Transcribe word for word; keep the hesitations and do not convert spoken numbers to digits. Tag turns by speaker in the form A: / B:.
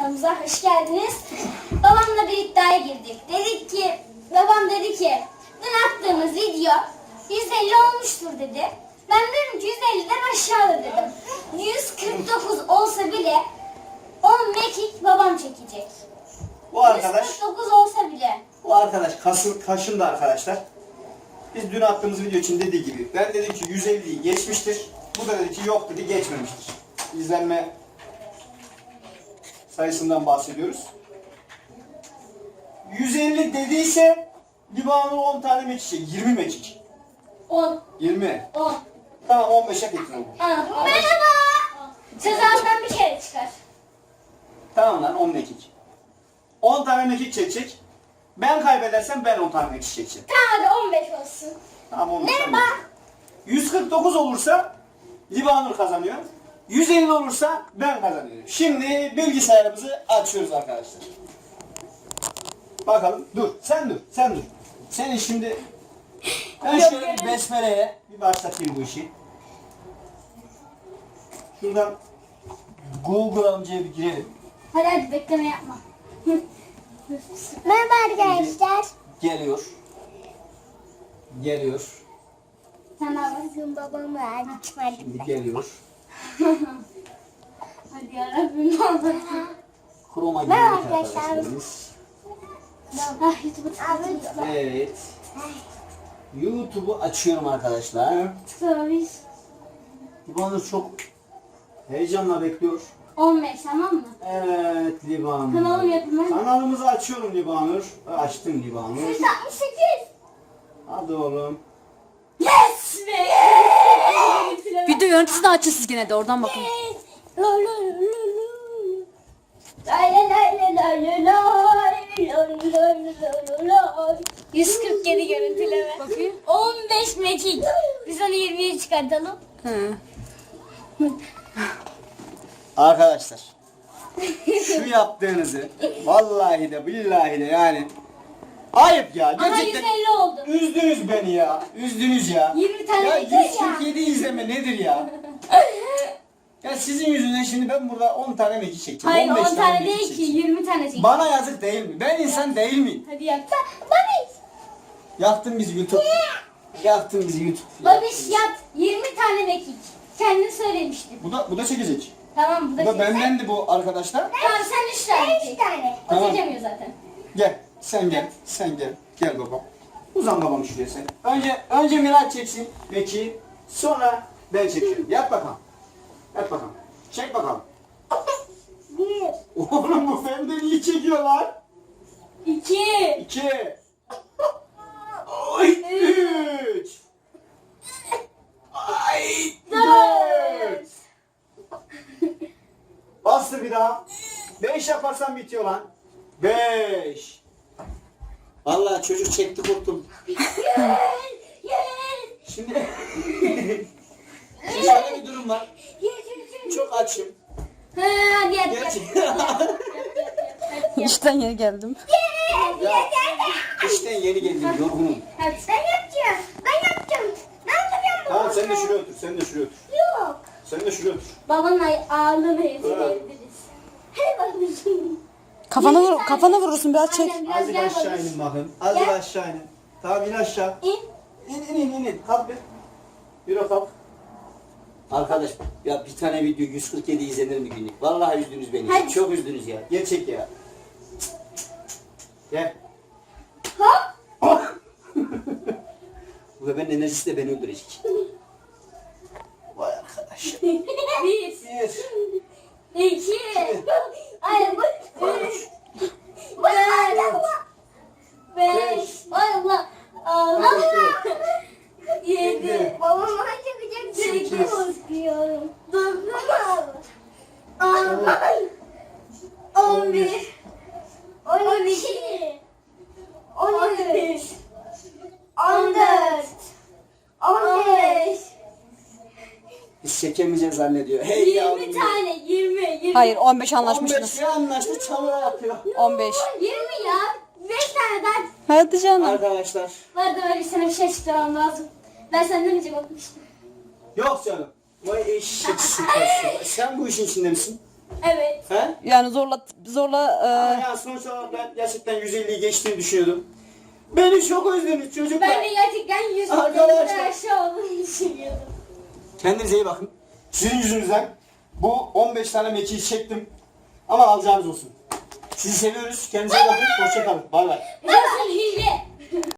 A: kanalımıza hoş geldiniz. Babamla bir iddiaya girdik. Dedik ki, babam dedi ki, dün attığımız video yüz elli olmuştur dedi. Ben dedim ki yüz elliden aşağıda dedim. yüz kırk dokuz olsa bile on mekik babam çekecek.
B: Bu arkadaş,
A: yüz kırk dokuz olsa bile.
B: bu arkadaş kasın, kaşındı arkadaşlar. Biz dün attığımız video için dediği gibi, ben dedim ki yüz elliyi geçmiştir. Bu da dedi ki yok dedi, geçmemiştir. İzlenme sayısından bahsediyoruz. yüz elli dediyse Libanur on tane mekik, yirmi mekik.
A: on.
B: yirmi.
A: on.
B: Tamam on beşe getirin.
A: Merhaba. Sezar'dan bir kere çıkar.
B: Tamam lan on mekik. on tane mekik çekecek. Ben kaybedersem ben on tane mekik çekeceğim.
A: Tamam hadi on beş olsun.
B: Tamam on beş.
A: Merhaba.
B: yüz kırk dokuz olursa Libanur kazanıyor. yüz elli olursa ben kazanıyorum. Şimdi bilgisayarımızı açıyoruz arkadaşlar. Bakalım. Dur. Sen dur. Sen dur. Senin şimdi ben şöyle bir besmeleye bir başlatayım bu işi. Şuradan Google amcaya bir girelim.
A: Hadi hadi bekleme yapma.
C: Merhaba arkadaşlar.
B: Geliyor. Geliyor.
A: Sen daha bak.
C: Bugün babam var. Hadi.
B: Şimdi geliyor.
A: Hadi yarabbim ne olur.
B: Chroma
C: Merhaba
B: girdik
C: arkadaşlar.
B: arkadaşlar.
A: Ah YouTube'u tıklatın.
B: Evet. YouTube'u açıyorum arkadaşlar.
A: Tıklamış.
B: Libanur çok heyecanla bekliyor.
A: on beş tamam mı?
B: Evet Libanur.
A: Kanalım yapımı.
B: Kanalımızı açıyorum Libanur. Açtım Libanur.
A: yüz altmış sekiz.
B: Hadi oğlum.
A: Yes be yes.
D: Video yöneticisini açın siz gene de oradan bakın.
A: Lo lo lo lo. Lay lay lay lay lay lay lay lay lay lay. yüz kırk yedi görüntüleme.
D: Bakayım.
A: on beş mekik. Biz onu yirmiye çıkartalım.
D: Hı.
B: Arkadaşlar. Şu yaptığınızı vallahi de billahi de yani ayıp ya.
A: Aha yüz
B: Gerçekten
A: elli oldu.
B: üzdünüz beni ya. Üzdünüz ya.
A: yirmi tane
B: Ya
A: yeter ya.
B: yüz kırk yedi izleme nedir ya? Ya sizin yüzünden şimdi ben burada on tane mekik çekeceğim.
A: Hayır
B: on beş
A: on tane
B: mekik
A: değil ki
B: çekeceğim.
A: yirmi tane çek.
B: Bana yazık değil mi? Ben insan değil miyim?
A: Hadi yap. Ba- Babiş.
B: Yaktın bizi YouTube. Yaktın bizi YouTube.
A: Babiş yap. yirmi tane mekik. Kendin söylemiştin.
B: Bu da bu da çekecek.
A: Tamam bu da
B: Bu da
A: çek.
B: bendendi bu arkadaşlar.
A: Tamam sen üç tane çek.
C: tane.
A: O
B: Tamam.
A: çekemiyor zaten.
B: Gel. Sen gel. Sen gel. Gel babam. Uzan babam şuraya sen. Önce önce Miraç çeksin. Peki. Sonra ben çekiyorum. Yap bakalım. Yap bakalım. Çek bakalım.
C: Bir.
B: Oğlum bu benden iyi çekiyorlar.
A: İki.
B: İki. Oy. Üç. Ay. Dört. Bastır bir daha. Beş yaparsan bitiyor lan. Beş. Vallahi çocuk çekti kurtul. Şimdi Şimdi şöyle bir durum var. Çok açım.
A: Ha, hadi yap yap.
B: Gerçekten.
D: İşten yeni geldim.
B: Ya, işten yeni geldim yorgunum.
A: Hadi.
C: Ben yapacağım. Ben yapacağım. Ben yapacağım.
B: Tamam sen de şuraya otur. Sen de şuraya otur.
C: Yok.
B: Sen de şuraya otur.
A: Babanın ay- ağırlığını ezdirebiliriz.
C: Hadi babacığım.
D: Kafana vur, kafana vurursun biraz çek.
A: Aynen biraz
B: Azıcık
A: gel
B: aşağı
A: babiş.
B: inin bakın. Azıcık aşağı inin. Tamam in aşağı.
A: İn.
B: İn in in in. in. Kalk bir. Yürü kalk. Arkadaş ya bir tane video yüz kırk yedi izlenir mi günlük? Vallahi üzdünüz beni.
A: Hadi.
B: Çok üzdünüz ya. Gerçek ya. Gel.
A: Hop.
B: Bu bebeğin enerjisi de beni öldürecek. Vay arkadaş.
A: Bir.
B: Bir.
A: İki. Ay bu. Üç. Dört. Beş. Ay Allah. Allah. Yedi.
C: Babam bana çekecek.
A: Sekiz.
C: Korkuyorum.
A: Dokuz. On. On bir. On iki. On üç. On dört. On beş.
B: Biz çekemeyeceğiz zannediyor. Hey yavrum.
A: Yirmi tane. Yirmi. Yirmi.
D: Hayır on beş
B: on
D: anlaşmışsınız.
B: beş ya anlaştı çamura yapıyor.
D: on beş.
A: Yirmi ya. Beş tane daha.
D: Hadi canım.
B: Arkadaşlar.
A: Vardı böyle sana bir şey açıklamam lazım. Ben senden önce bakmıştım.
B: Yok canım. Vay eşek sıkası. Sen bu işin içinde misin?
A: Evet.
B: He?
D: Yani zorla zorla
B: Ama
D: e,
B: ya sonuç olarak ben gerçekten yüz elliyi geçtiğini düşünüyordum. Beni çok özlediniz çocuklar.
A: Ben de gerçekten yüz
B: Arkadaşlar.
A: elli aşağı olduğunu düşünüyordum.
B: Kendinize iyi bakın. Sizin yüzünüzden bu on beş tane mekiği çektim. Ama alacağınız olsun. Sizi seviyoruz. Kendinize iyi bakın. Hoşçakalın. Bay bay.
A: Nasıl hile?